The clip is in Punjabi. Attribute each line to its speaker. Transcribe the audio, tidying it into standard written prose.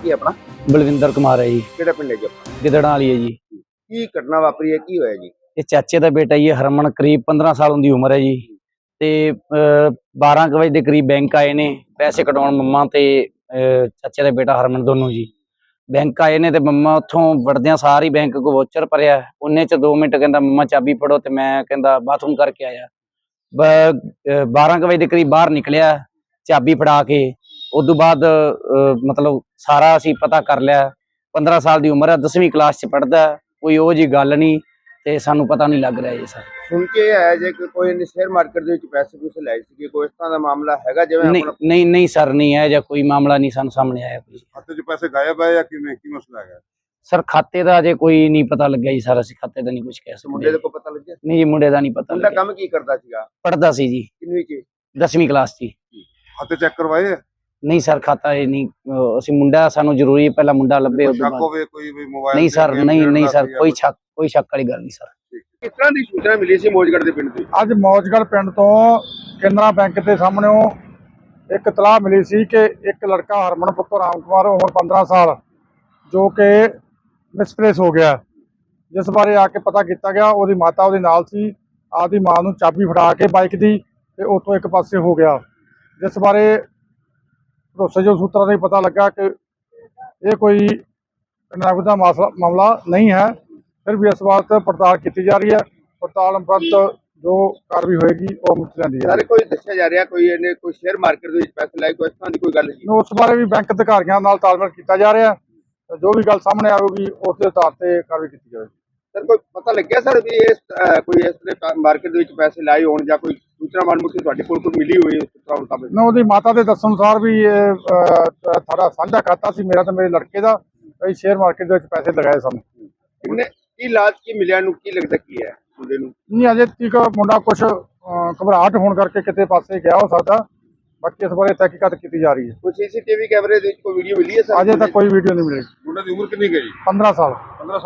Speaker 1: ਕੀ ਆਪਣਾ?
Speaker 2: ਬਲਵਿੰਦਰ ਕੁਮਾਰ ਹੈ ਜੀ,
Speaker 1: ਕਿਹੜਾ ਪਿੰਡ ਹੈ ਜੀ ਆਪਣਾ?
Speaker 2: ਗਿੱਦੜਾਂ ਵਾਲੀ ਹੈ ਜੀ।
Speaker 1: ਕੀ ਘਟਨਾ ਵਾਪਰੀ ਹੈ, ਕੀ ਹੋਇਆ ਜੀ?
Speaker 2: ਇਹ ਚਾਚੇ ਦਾ ਬੇਟਾ ਜੀ ਹਰਮਨ, ਕਰੀਬ 15 ਸਾਲ ਦੀ ਉਮਰ ਹੈ ਜੀ। ਤੇ 12 ਕੁ ਵਜੇ ਦੇ ਕਰੀਬ ਬੈਂਕ ਆਏ ਨੇ ਪੈਸੇ ਕਢਾਉਣ, ਮੰਮਾ ਤੇ ਚਾਚੇ ਦਾ ਬੇਟਾ ਹਰਮਨ ਦੋਨੋਂ ਜੀ ਬੈਂਕ ਆਏ ਨੇ। ਤੇ ਮੰਮਾ ਉੱਥੋਂ ਵੜਦਿਆਂ ਸਾਰੀ ਬੈਂਕ ਕੋ ਵੋਚਰ ਭਰਿਆ, ਉਹਨੇ ਚ 2 ਮਿੰਟ ਕਹਿੰਦਾ ਮੰਮਾ ਚਾਬੀ ਫੜੋ, ਤੇ ਮੈਂ ਕਹਿੰਦਾ ਬਾਥਰੂਮ ਕਰਕੇ ਆਇਆ। 12 ਕੁ ਵਜੇ ਦੇ ਕਰੀਬ ਬਾਹਰ ਨਿਕਲਿਆ ਚਾਬੀ ਫੜਾ ਕੇ। ਉਦੋਂ ਬਾਅਦ ਮਤਲਬ ਸਾਰਾ ਅਸੀਂ ਪਤਾ ਕਰ ਲਿਆ। 15 ਸਾਲ ਦੀ ਉਮਰ ਹੈ, 10ਵੀਂ ਕਲਾਸ ਚ ਪੜ੍ਹਦਾ, ਕੋਈ ਉਹ ਜੀ ਗੱਲ ਨਹੀਂ ਤੇ ਸਾਨੂੰ ਪਤਾ ਨਹੀਂ ਲੱਗ ਰਿਹਾ ਜੀ ਸਰ।
Speaker 1: ਸੁਣ ਕੇ ਆਇਆ ਜੇ ਕਿ ਕੋਈ ਨੇ ਸ਼ੇਅਰ ਮਾਰਕੀਟ ਦੇ ਵਿੱਚ ਪੈਸੇ ਪੂਸੇ ਲਾਏ ਸੀ, ਕੋਈ ਇਸ ਤਰ੍ਹਾਂ ਦਾ ਮਾਮਲਾ ਹੈਗਾ ਜਿਵੇਂ
Speaker 2: ਨਹੀਂ
Speaker 1: ਆਪਣਾ?
Speaker 2: ਨਹੀਂ ਨਹੀਂ ਸਰ, ਨਹੀਂ ਹੈ ਜਾਂ ਕੋਈ ਮਾਮਲਾ ਨਹੀਂ ਸਾਨੂੰ ਸਾਹਮਣੇ ਆਇਆ ਕੋਈ।
Speaker 3: ਖਾਤੇ 'ਚ ਪੈਸੇ ਗਾਇਬ ਹੈ ਜਾਂ ਕਿਵੇਂ, ਕੀ ਮਸਲਾ ਹੈਗਾ?
Speaker 2: ਸਰ ਖਾਤੇ ਦਾ ਅਜੇ ਕੋਈ ਨਹੀਂ ਪਤਾ ਲੱਗਿਆ ਜੀ ਸਰ, ਅਸੀਂ ਖਾਤੇ ਦਾ ਨਹੀਂ ਕੁਝ ਕਹਿ
Speaker 1: ਮੁੰਡੇ ਦੇ
Speaker 2: ਸਕਦੇ।
Speaker 1: ਕੋ ਪਤਾ ਲੱਗਿਆ?
Speaker 2: ਨਹੀਂ ਜੀ, ਮੁੰਡੇ ਦਾ ਨਹੀਂ ਪਤਾ
Speaker 1: ਮੁੰਡਾ
Speaker 2: ਲੱਗਿਆ।
Speaker 1: ਕੰਮ ਕੀ ਕਰਦਾ ਸੀਗਾ?
Speaker 2: ਪੜ੍ਹਦਾ ਸੀ ਜੀ,
Speaker 1: ਕਿੰਨਵੀਂ ਚ?
Speaker 2: 10ਵੀਂ ਕਲਾਸ ਚ।
Speaker 3: ਖਾਤੇ ਚੈੱਕ ਕਰਵਾਏ ਹੈ?
Speaker 2: ਨਹੀਂ ਸਰ, ਖਾਤਾ ਇਹ ਨਹੀਂ, ਅਸੀਂ ਮੁੰਡਾ ਸਾਨੂੰ ਜ਼ਰੂਰੀ ਪਹਿਲਾਂ ਮੁੰਡਾ ਲੱਭੇ
Speaker 3: ਕੋਈ
Speaker 2: ਉਦੋਂ
Speaker 3: ਸ਼ੱਕ
Speaker 2: ਬਾਅਦ।
Speaker 3: ਹੋਵੇ ਕੋਈ ਵੀ ਮੋਬਾਈਲ
Speaker 2: ਨਹੀਂ ਸਰ, ਨਹੀਂ ਸਰ, ਕੋਈ
Speaker 3: ਸ਼ੱਕ।
Speaker 2: ਸ਼ੱਕ ਵਾਲੀ ਗੱਲ ਨਹੀਂ ਸਰ।
Speaker 1: ਕਿਸ ਤਰ੍ਹਾਂ ਦੀ ਸੂਚਨਾ ਮਿਲੀ ਸੀ ਮੋਜਗੜ੍ਹ ਦੇ ਪਿੰਡ ਤੋਂ?
Speaker 4: ਅੱਜ ਮੌਜਗੜ੍ਹ ਪਿੰਡ ਤੋਂ ਕੇਨਰਾ ਬੈਂਕ ਦੇ ਸਾਹਮਣੇੋਂ ਇੱਕ ਇਤਲਾਹ ਮਿਲੀ ਸੀ ਕਿ ਇੱਕ ਲੜਕਾ ਹਰਮਨ ਪੁੱਤਰ ਰਾਮ ਕੁਮਾਰ, ਉਮਰ 15 ਸਾਲ, ਜੋ ਕਿ ਮਿਸਪਲੇਸ ਹੋ ਗਿਆ, ਜਿਸ ਬਾਰੇ ਆ ਕੇ ਪਤਾ ਕੀਤਾ ਗਿਆ। ਉਹਦੀ ਮਾਤਾ ਉਹਦੇ ਨਾਲ ਸੀ, ਆਪਦੀ ਮਾਂ ਨੂੰ ਚਾਬੀ ਫੜਾ ਕੇ ਬਾਈਕ ਦੀ ਤੇ ਉੱਥੋਂ ਇੱਕ ਪਾਸੇ ਹੋ ਗਿਆ, ਜਿਸ ਬਾਰੇ ਭਰੋਸੇਯੋਗ ਸੂਤਰਾਂ ਤੋਂ ਪਤਾ ਲੱਗਾ ਕਿ ਇਹ ਕੋਈ ਨਗਦ ਦਾ ਮਾਮਲਾ ਨਹੀਂ ਹੈ। ਫਿਰ ਵੀ ਇਸ ਬਾਤ ਪੜਤਾਲ ਕੀਤੀ ਜਾ ਰਹੀ ਹੈ। ਪੜਤਾਲ ਉਪਰੰਤ ਜੋ ਕਾਰਵਾਈ ਹੋਏਗੀ ਉਹ ਮੁੱਕ ਜਾਂਦੀ ਹੈ।
Speaker 1: ਸਾਰੇ ਕੋਈ ਦੱਸਿਆ ਜਾ ਰਿਹਾ ਕੋਈ ਇਹਨੇ ਕੋਈ ਸ਼ੇਅਰ ਮਾਰਕੀਟ ਦੇ ਵਿੱਚ ਪੈਸੇ ਲਾਏ, ਕੋਈ ਇਸ ਤਰ੍ਹਾਂ ਦੀ ਕੋਈ ਗੱਲ ਨਹੀਂ?
Speaker 4: ਉਸ ਬਾਰੇ ਵੀ ਬੈਂਕ ਅਧਿਕਾਰੀਆਂ ਨਾਲ ਤਾਲਮੇਲ ਕੀਤਾ ਜਾ ਰਿਹਾ ਹੈ। ਜੋ ਵੀ ਗੱਲ ਸਾਹਮਣੇ ਆਵੇਗੀ ਉਸ ਦੇ ਆਧਾਰ ਤੇ ਕਾਰਵਾਈ ਕੀਤੀ ਜਾਵੇਗੀ।
Speaker 1: ਸਰ ਕੋਈ ਪਤਾ ਲੱਗਿਆ ਸਰ ਵੀ ਇਸ ਕੋਈ ਇਸ ਤਰ੍ਹਾਂ ਮਾਰਕੀਟ ਦੇ ਵਿੱਚ ਪੈਸੇ ਲਾਏ ਹੋਣ ਜਾਂ ਕੋਈ ਸੂਚਨਾ ਮਾਨਮੁਖੀ ਤੁਹਾਡੇ ਕੋਲ ਕੋਈ ਮਿਲੀ ਹੋਈ ਉਸ ਤਰ੍ਹਾਂ ਮੁਤਾਬਕ?
Speaker 4: ਨਾ, ਉਹਦੀ ਮਾਤਾ ਦੇ ਦੱਸਣ ਅਨੁਸਾਰ ਵੀ ਇਹ ਸਾਡਾ ਸਾਂਝਾ ਖਾਤਾ ਸੀ, ਮੇਰਾ ਤੇ ਮੇਰੇ ਲੜਕੇ ਦਾ। ਅਸੀਂ ਸ਼ੇਅਰ ਮਾਰਕੀਟ ਦੇ ਵਿੱਚ ਪੈਸੇ ਲਗਾਏ ਸਨ।
Speaker 1: ਕਿੰਨੇ ਕੀ ਲਾਜ ਕੀ ਮਿਲਿਆ ਨੂੰ, ਕੀ ਲੱਗਦਾ ਕੀ ਹੈ ਮੁੰਡੇ ਨੂੰ?
Speaker 4: ਨਹੀਂ, ਅਜੇ ਤੱਕ ਮੁੰਡਾ ਕੁਝ ਘਬਰਾਹਟ ਹੋਣ ਕਰਕੇ ਕਿਤੇ ਪਾਸੇ ਗਿਆ ਹੋ ਸਕਦਾ। ਬਾਕੀ ਇਸ ਬਾਰੇ ਤਹਿਕੀਕਾਤ ਕੀਤੀ ਜਾ ਰਹੀ ਹੈ।
Speaker 1: ਕੋਈ ਸੀਸੀਟੀਵੀ ਕੈਮਰੇ ਦੇ ਵਿੱਚ ਕੋਈ ਵੀਡੀਓ ਮਿਲੀ ਹੈ ਸਰ?
Speaker 4: ਅਜੇ ਤੱਕ ਕੋਈ ਵੀਡੀਓ ਨਹੀਂ ਮਿਲੀ।
Speaker 3: ਮੁੰਡੇ ਦੀ ਉਮਰ ਕਿੰਨੀ ਗਈ?
Speaker 4: 15 ਸਾਲ।
Speaker 3: 15